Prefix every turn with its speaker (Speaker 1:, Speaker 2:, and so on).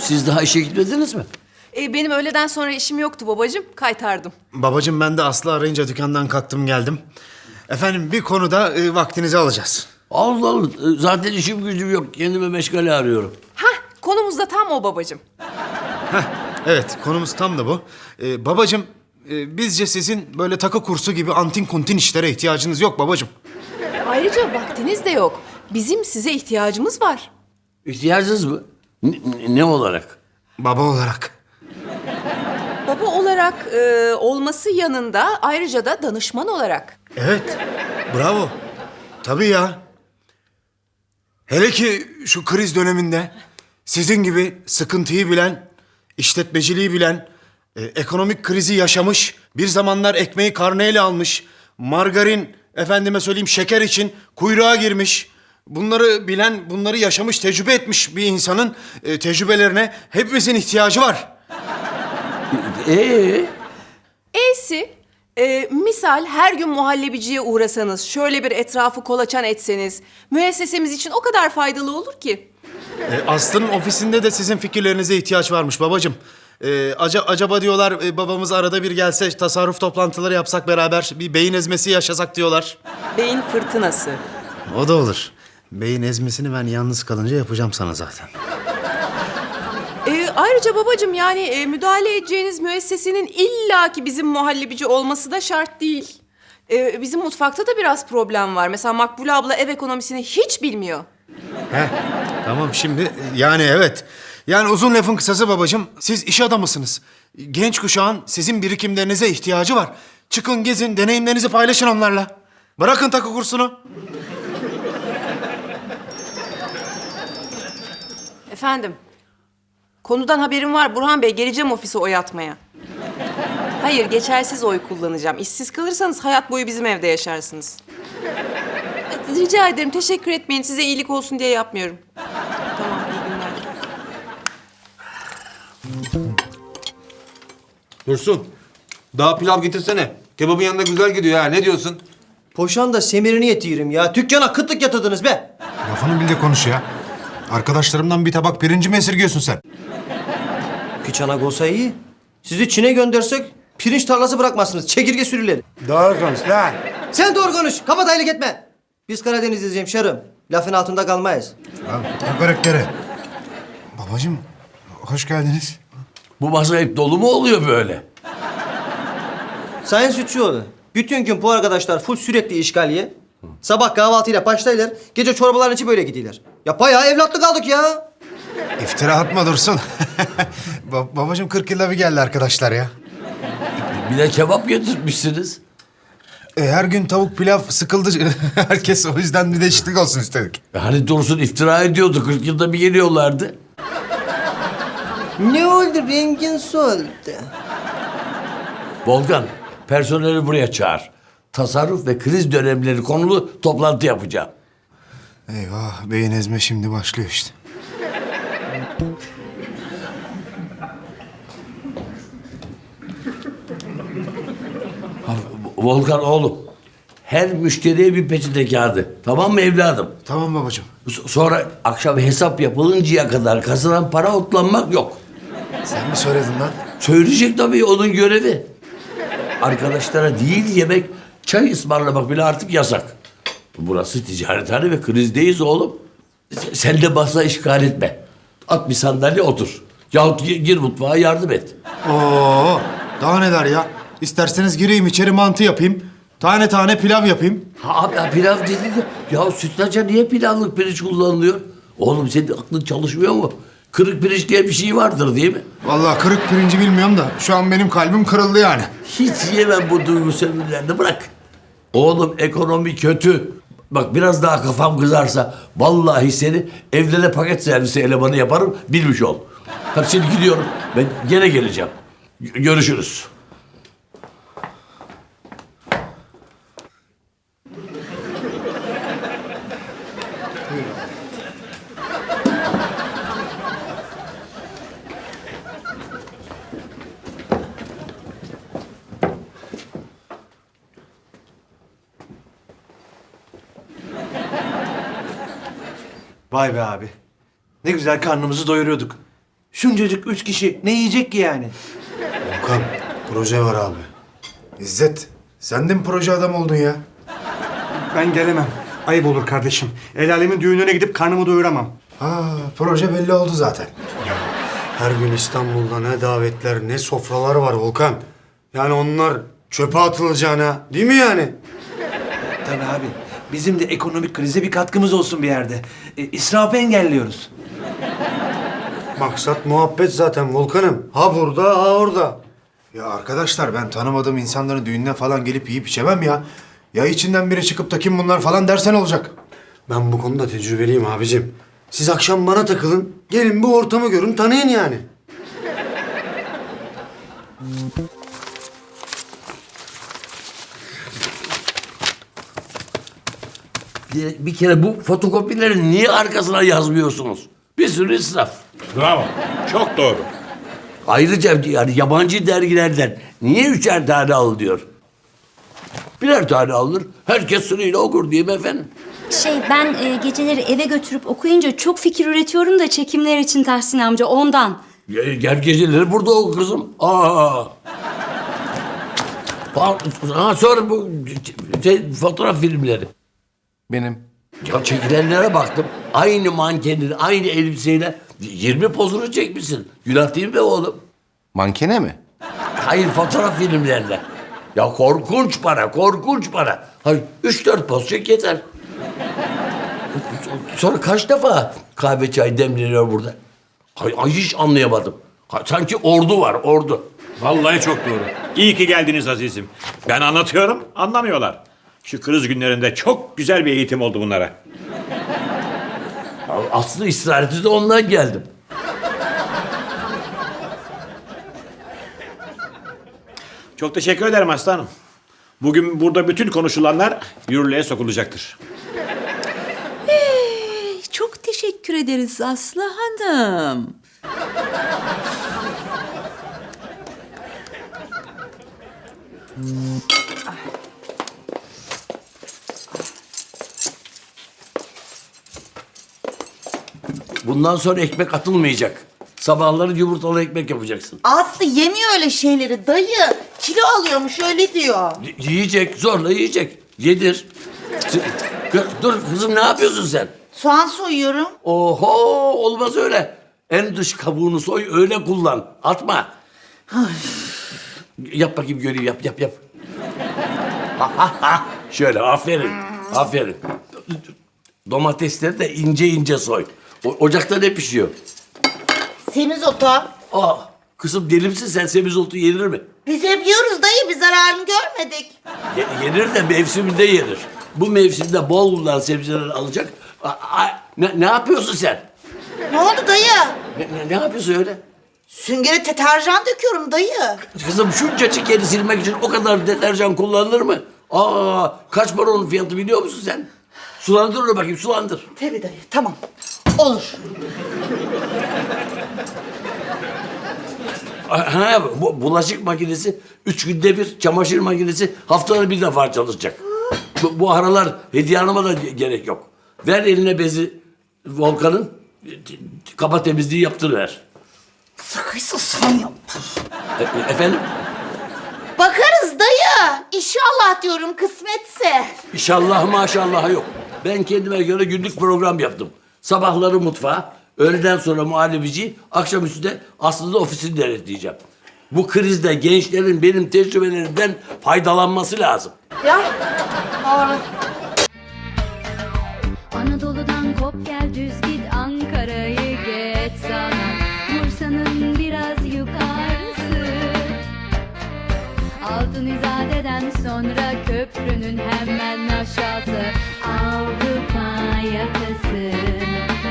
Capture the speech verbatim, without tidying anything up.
Speaker 1: Siz daha işe gitmediniz mi?
Speaker 2: E, benim öğleden sonra işim yoktu babacığım. Kaytardım.
Speaker 3: Babacığım ben de Aslı arayınca dükkandan kalktım geldim. Efendim bir konuda e, vaktinizi alacağız.
Speaker 1: Allah Allah. Zaten işim gücüm yok. Kendime meşgale arıyorum.
Speaker 2: Hah, konumuz da tam o babacığım.
Speaker 3: Evet konumuz tam da bu. Ee, babacığım e, bizce sizin böyle takı kursu gibi antin kuntin işlere ihtiyacınız yok babacığım.
Speaker 2: Ayrıca vaktiniz de yok. Bizim size ihtiyacımız var.
Speaker 1: İhtiyacınız mı? Ne, ne olarak?
Speaker 3: Baba olarak.
Speaker 2: Baba olarak e, olması yanında ayrıca da danışman olarak.
Speaker 3: Evet bravo. Tabii ya. Hele ki şu kriz döneminde sizin gibi sıkıntıyı bilen, işletmeciliği bilen, e, ekonomik krizi yaşamış, bir zamanlar ekmeği karneyle almış, margarin, efendime söyleyeyim şeker için kuyruğa girmiş, bunları bilen, bunları yaşamış, tecrübe etmiş bir insanın e, tecrübelerine hepimizin ihtiyacı var.
Speaker 1: Ee?
Speaker 2: E'si e, misal her gün muhallebiciye uğrasanız, şöyle bir etrafı kolaçan etseniz, müessesemiz için o kadar faydalı olur ki.
Speaker 3: E, Aslı'nın ofisinde de sizin fikirlerinize ihtiyaç varmış babacığım. E, aca- acaba diyorlar e, babamız arada bir gelse tasarruf toplantıları yapsak beraber bir beyin ezmesi yaşasak diyorlar.
Speaker 2: Beyin fırtınası.
Speaker 3: O da olur. Beyin ezmesini ben yalnız kalınca yapacağım sana zaten.
Speaker 2: E, ayrıca babacığım yani e, müdahale edeceğiniz müessesenin illaki bizim muhallebici olması da şart değil. E, bizim mutfakta da biraz problem var. Mesela Makbule abla ev ekonomisini hiç bilmiyor.
Speaker 3: Heh, tamam şimdi yani evet. Yani uzun lafın kısası babacığım siz iş adamısınız. Genç kuşağın sizin birikimlerinize ihtiyacı var. Çıkın gezin deneyimlerinizi paylaşın onlarla. Bırakın takı kursunu.
Speaker 2: Efendim, konudan haberim var Burhan Bey. Geleceğim ofise oy atmaya. Hayır, geçersiz oy kullanacağım. İşsiz kalırsanız hayat boyu bizim evde yaşarsınız. Rica ederim, teşekkür etmeyin. Size iyilik olsun diye yapmıyorum. Tamam, iyi günler.
Speaker 4: Dursun. Daha pilav getirsene. Kebabın yanında güzel gidiyor ha. Ne diyorsun?
Speaker 5: Poşan da semirini yetirim ya. Dükkana kıtlık yatırdınız be.
Speaker 6: Lafını bil de konuş ya. Arkadaşlarımdan bir tabak pirinci mi esirgiyorsun sen?
Speaker 5: Piçanak olsa iyi. Sizi Çin'e göndersek pirinç tarlası bırakmazsınız. Çekirge sürüleri.
Speaker 6: Doğru konuş lan.
Speaker 5: Sen doğru konuş. Kapat aylık etme. Biz Karadenizliyiz hemşerim. Lafın altında kalmayız.
Speaker 6: Lan ne karakteri? Babacığım hoş geldiniz.
Speaker 1: Bu masa hep dolu mu oluyor böyle?
Speaker 5: Sayın Sütçüoğlu. Bütün gün bu arkadaşlar full sürekli işgaliye. Sabah kahvaltıyla başlayırlar. Gece çorbaların içi böyle gidiyorlar. Ya bayağı evlatlık aldık ya.
Speaker 6: İftira atma Dursun. ba babacığım kırk yılda bir geldi arkadaşlar ya.
Speaker 1: Bir de kebap getirmişsiniz.
Speaker 6: E, her gün tavuk pilav sıkıldı. Herkes o yüzden bir değişiklik olsun istedik.
Speaker 1: E Hani Dursun iftira ediyordu. kırk yılda bir geliyorlardı.
Speaker 5: Ne oldu? Rengin soldu.
Speaker 1: Volkan, personeli buraya çağır. Tasarruf ve kriz dönemleri konulu toplantı yapacağım.
Speaker 6: Eyvah beyin ezme şimdi başlıyor işte.
Speaker 1: Ha, Volkan oğlum, her müşteriye bir peçete kağıdı. Tamam mı evladım?
Speaker 6: Tamam babacığım.
Speaker 1: S- Sonra akşam hesap yapılıncaya kadar kasadan para otlanmak yok.
Speaker 6: Sen mi söyledin lan?
Speaker 1: Söyleyecek tabii, onun görevi. Arkadaşlara değil yemek, çay ısmarlamak bile artık yasak. Burası ticarethane ve krizdeyiz oğlum. S- Sen de masa işgal etme. At bir sandalye otur. Yahut gi- gir mutfağa yardım et.
Speaker 3: Oo, daha neler ya? İsterseniz gireyim içeri mantı yapayım. Tane tane pilav yapayım.
Speaker 1: Ha abi ha, pilav dedi de ya sütlaca niye pilavlık pirinç kullanılıyor? Oğlum senin aklın çalışmıyor mu? Kırık pirinç diye bir şey vardır değil mi?
Speaker 3: Vallahi kırık pirinci bilmiyorum da şu an benim kalbim kırıldı yani.
Speaker 1: Hiç yemem bu duygu sömürülerini, bırak. Oğlum ekonomi kötü. Bak biraz daha kafam kızarsa vallahi seni evlere paket servisi elemanı yaparım, bilmiş ol. Hadi şimdi gidiyorum. Ben gene geleceğim. G- Görüşürüz.
Speaker 7: Vay be abi. Ne güzel karnımızı doyuruyorduk. Şuncacık üç kişi ne yiyecek ki yani?
Speaker 3: Volkan, proje var abi.
Speaker 6: İzzet, sen de mi proje adam oldun ya?
Speaker 8: Ben gelemem. Ayıp olur kardeşim. El alemin düğününe gidip karnımı doyuramam.
Speaker 6: Ha, proje belli oldu zaten.
Speaker 3: Her gün İstanbul'da ne davetler ne sofralar var Volkan. Yani onlar çöpe atılacağına değil mi yani?
Speaker 7: Tabii abi. Bizim de ekonomik krize bir katkımız olsun bir yerde. E, israfı engelliyoruz.
Speaker 3: Maksat muhabbet zaten Volkan'ım. Ha burada ha orada.
Speaker 6: Ya arkadaşlar ben tanımadığım insanların düğününe falan gelip yiyip içemem ya. Ya içinden biri çıkıp da kim bunlar falan dersen olacak.
Speaker 3: Ben bu konuda tecrübeliyim abicim. Siz akşam bana takılın. Gelin bu ortamı görün tanıyın yani.
Speaker 1: Bir, bir kere bu fotokopileri niye arkasına yazmıyorsunuz? Bir sürü israf.
Speaker 9: Bravo. Çok doğru.
Speaker 1: Ayrıca yani yabancı dergilerden niye üçer tane al diyor. Birer tane alır, herkes sırayla okur değil mi efendim?
Speaker 10: Şey ben e, geceleri eve götürüp okuyunca çok fikir üretiyorum da çekimler için Tahsin amca ondan.
Speaker 1: Gel, gel geceleri burada oku kızım. Aa. Fa- Ha, sonra bu şey, fotoğraf filmleri.
Speaker 6: Benim.
Speaker 1: Ya çekilenlere baktım. Aynı mankenin, aynı elbiseyle yirmi pozunu çekmişsin. Günah değil mi oğlum?
Speaker 6: Mankene mi?
Speaker 1: Hayır, fotoğraf filmlerle. Ya korkunç para, korkunç para. Hayır, üç dört poz çek yeter. Sonra kaç defa kahve çay demleniyor burada? Ay, ay hiç anlayamadım. Ha, sanki ordu var, ordu.
Speaker 9: Vallahi çok doğru. İyi ki geldiniz azizim. Ben anlatıyorum, anlamıyorlar. Şu kriz günlerinde çok güzel bir eğitim oldu bunlara.
Speaker 1: Ya aslı ısrareti de ondan geldim.
Speaker 9: Çok teşekkür ederim aslanım. Bugün burada bütün konuşulanlar yürürlüğe sokulacaktır.
Speaker 11: Çok teşekkür ederiz Aslı Hanım.
Speaker 1: Bundan sonra ekmek atılmayacak. Sabahları yumurtalı ekmek yapacaksın.
Speaker 11: Aslı yemiyor öyle şeyleri dayı. Kilo alıyormuş öyle diyor.
Speaker 1: Y- yiyecek, zorla yiyecek. Yedir. S- Kı- Dur kızım, ne yapıyorsun sen?
Speaker 11: Soğan soyuyorum.
Speaker 1: Oho, olmaz öyle. En dış kabuğunu soy, öyle kullan. Atma. Yap bakayım, göreyim, yap, yap, yap. Ha, ha, ha. Şöyle, aferin, aferin. Domatesleri de ince ince soy. O, ocakta ne pişiyor?
Speaker 11: Semizotu.
Speaker 1: Aa, kızım deli misin sen? Semizotu yenir mi?
Speaker 11: Biz hep yiyoruz dayı. Bir zararını görmedik.
Speaker 1: Ye- yenir de mevsiminde yenir. Bu mevsimde bol bulunan sebzeleri alacak. A- a- ne, ne yapıyorsun sen?
Speaker 11: Ne oldu dayı?
Speaker 1: Ne, ne, ne yapıyorsun öyle?
Speaker 11: Süngere deterjan döküyorum dayı.
Speaker 1: Kızım şuncacık yeri silmek için o kadar deterjan kullanılır mı? Aa, kaç para onun fiyatı biliyor musun sen? Sulandır onu bakayım, sulandır.
Speaker 11: Tabii dayı tamam. Olur.
Speaker 1: Ha, bu, bulaşık makinesi üç günde bir, çamaşır makinesi haftada bir defa çalışacak. Bu, bu aralar Hediye Hanım'a da ge- gerek yok. Ver eline bezi Volkan'ın, kaba temizliği yaptırıver.
Speaker 11: Sıkıysa sen yaptır.
Speaker 1: E- e- efendim?
Speaker 11: Bakarız dayı. İnşallah diyorum kısmetse.
Speaker 1: İnşallah maşallah yok. Ben kendime göre günlük program yaptım. Sabahları mutfağa, öğleden sonra muhallebici, akşamüstü de aslında ofisini denetleyeceğim. Bu krizde gençlerin benim tecrübelerimden faydalanması lazım.
Speaker 11: Ya. Doğru.
Speaker 10: Anadolu'dan kop gel düz git Ankara'yı geç sana Bursa'nın biraz yukarısı Altın İzade'den sonra köprünün hemen aşağısı Avrupa yakası